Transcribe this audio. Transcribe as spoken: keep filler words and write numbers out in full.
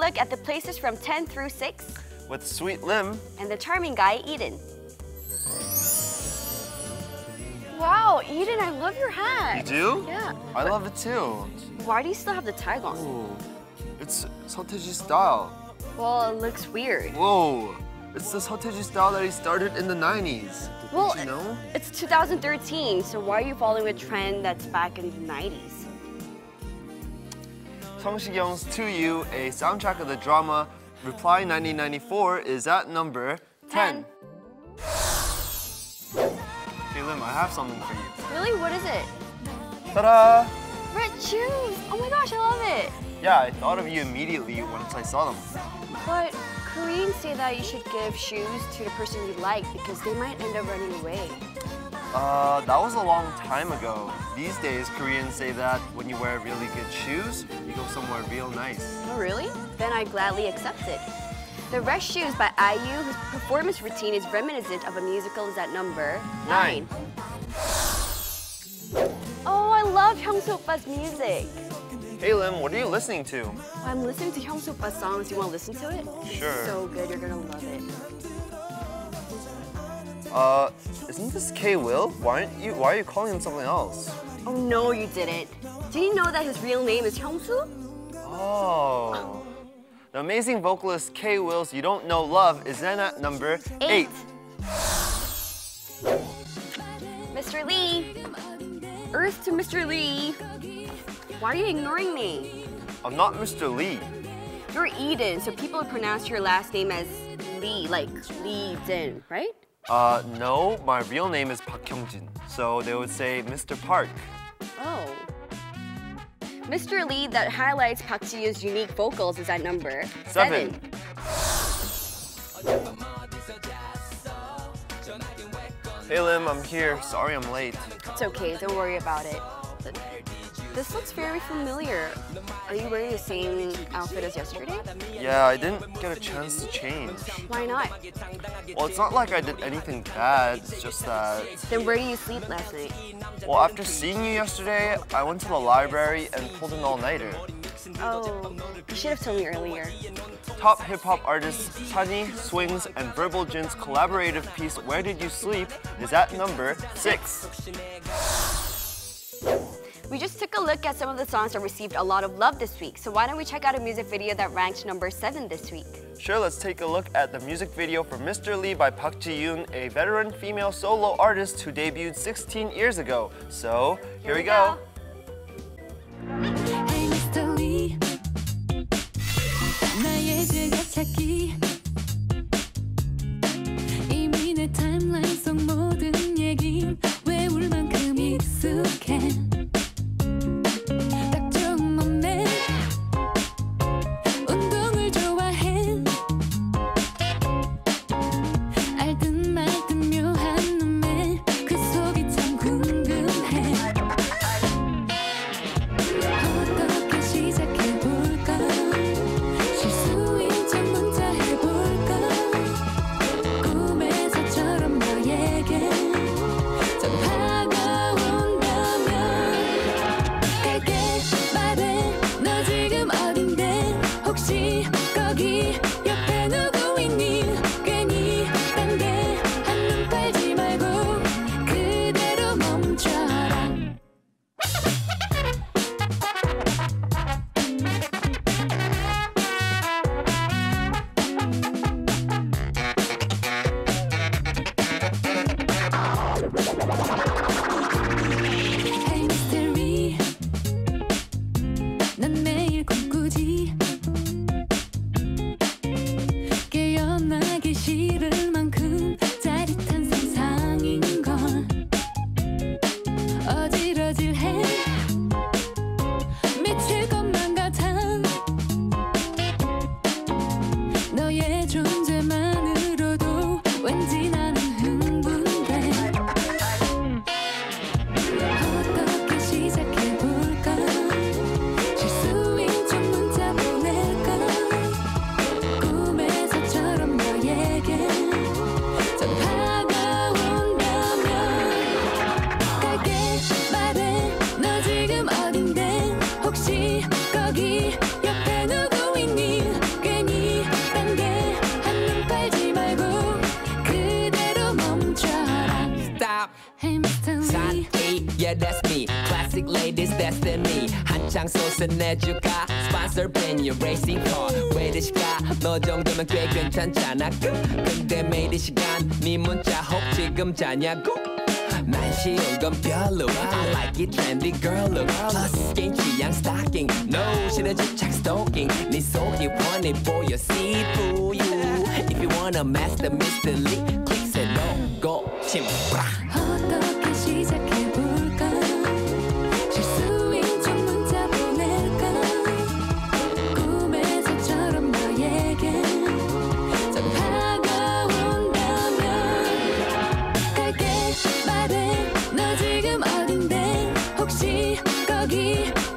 look at the places from ten through six with Sweet Lim and the charming guy, Eden. Wow, Eden, I love your hat. You do? Yeah. I love it too. Why do you still have the tag on? Ooh, it's Seo style. Well, it looks weird. Whoa, it's the Seo style that he started in the nineties. Well, Did you know? It's two thousand thirteen, so why are you following a trend that's back in the nineties? Song Si-kyung's To You, a soundtrack of the drama Reply nineteen ninety-four, is at number ten. Hey Lim, I have something for you. Really? What is it? Ta-da! Red shoes! Oh my gosh, I love it! Yeah, I thought of you immediately once I saw them. But Koreans say that you should give shoes to the person you like because they might end up running away. Uh, that was a long time ago. These days, Koreans say that when you wear really good shoes, you go somewhere real nice. Oh, really? Then I gladly accept it. The Red Shoes by I U, whose performance routine is reminiscent of a musical, is at number nine. Oh, I love Hyungsoo Oppa's music. Hey Lim, what are you listening to? I'm listening to Hyungsoo Oppa's songs. Do you want to listen to it? Sure. It's so good, you're gonna love it. Uh, isn't this K-Will? Why aren't you? Why are you calling him something else? Oh no, you didn't. Did you know that his real name is Hyungsoo? Oh. The amazing vocalist K-Will's You Don't Know Love is then at number eight. eight. Mister Lee. Earth to Mister Lee. Why are you ignoring me? I'm not Mister Lee. You're Eden, so people would pronounce your last name as Lee, like Lee Jin, right? Uh, no, my real name is Park Hyungjin, so they would say Mister Park. Oh. Mister Lee that highlights Park Ji-yoon's unique vocals is at number seven. seven. Hey Lim, I'm here. Sorry I'm late. It's okay, don't worry about it. But this looks very familiar. Are you wearing the same outfit as yesterday? Yeah, I didn't get a chance to change. Why not? Well, it's not like I did anything bad, it's just that... Then where did you sleep last night? Well, after seeing you yesterday, I went to the library and pulled an all-nighter. Oh, you should have told me earlier. Top hip-hop artists Sunny, Swings, and Verbal Jin's collaborative piece Where Did You Sleep is at number six. We just took a look at some of the songs that received a lot of love this week, so why don't we check out a music video that ranked number seven this week? Sure, let's take a look at the music video for Mister Lee by Park Ji-yoon, a veteran female solo artist who debuted sixteen years ago. So, here, here we go. go. Hey, Mister Lee. 나의 즐겨찾기. 이미 내 타임라인 속 모든 얘긴 외울 만큼 익숙해. Hey Mister Lee Sunny, yeah that's me Classic ladies destiny 한창 솟아내줄까 Sponsor brand new racing car 왜 시가 너 정도면 꽤 괜찮잖아 근데 매일 이 시간 네 문자 혹 지금 자냐고 난 쉬운 건 별로 I like it trendy girl look Plus 개인 취향 stalking No 싫어 집착 stalking 네 속이 훤히 보여 see through you If you wanna master Mister Lee Click say no go 팀 어떻게 시작해볼까 실수인 척 문자 보낼까 꿈에서처럼 너에게 전화가 온다면 갈게 말해 너 지금 어딘데 혹시 거기